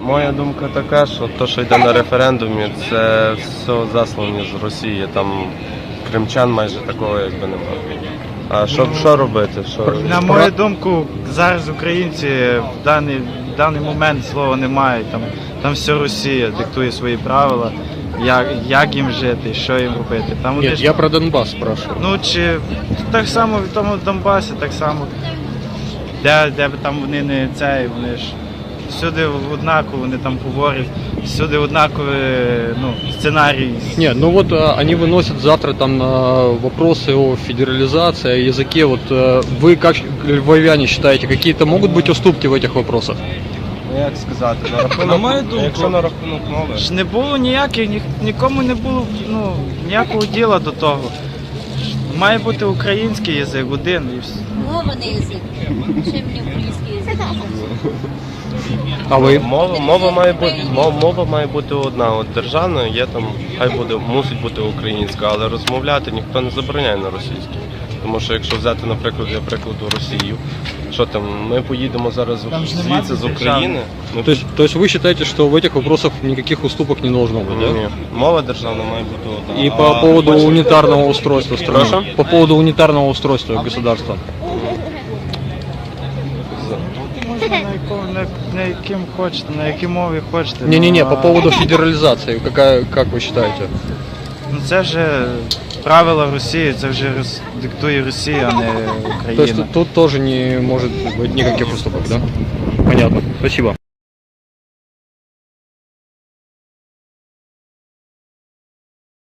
Моя думка така, що те, що йде на референдумі, це все заслані з Росії. Там кримчан майже такого якби немає. А що робити? На мою думку, зараз українці в даний момент слова не мають. Там все Росія диктує свої правила, як їм жити, що їм робити. Там Нет, я про Донбасс спрашиваю. Ну чи так само в тому Донбасі, так само, де б там вони не цей, вони ж всюди однаково, вони там говорять, всюди однакові сценарій. Нет, ну вот они выносят завтра там вопросы о федерализации, о языке. Вот вы как львовяне считаете, какие-то могут быть уступки в этих вопросах? Ну, як сказати, На мою думку, якщо на рахунок мови. ж не було ніяких, нікому не було ніякого діла до того. Має бути український язик один і все. Мова не язик. Ще мені український язик. А ви? Мова має бути одна. От державна є там, мусить бути українська, але розмовляти ніхто не забороняє на російській. Тому що якщо взяти, наприклад, для прикладу Росію, що там, ми поїдемо зараз звідси з України. То есть вы считаете, что в этих вопросах никаких уступок не должно быть, да? Ні, мова державна має бути одна. И по поводу унитарного устройства страны. Прошу? По поводу унитарного устройства государства. Можна на яким хочете, на якій мові хочете. Не-не-не, по поводу федерализации, как вы считаете? Ну це вже правила Росії, це вже диктує Росія, а не То есть Україна. тут тоже не может быть никаких уступок, да? Понятно. Спасибо.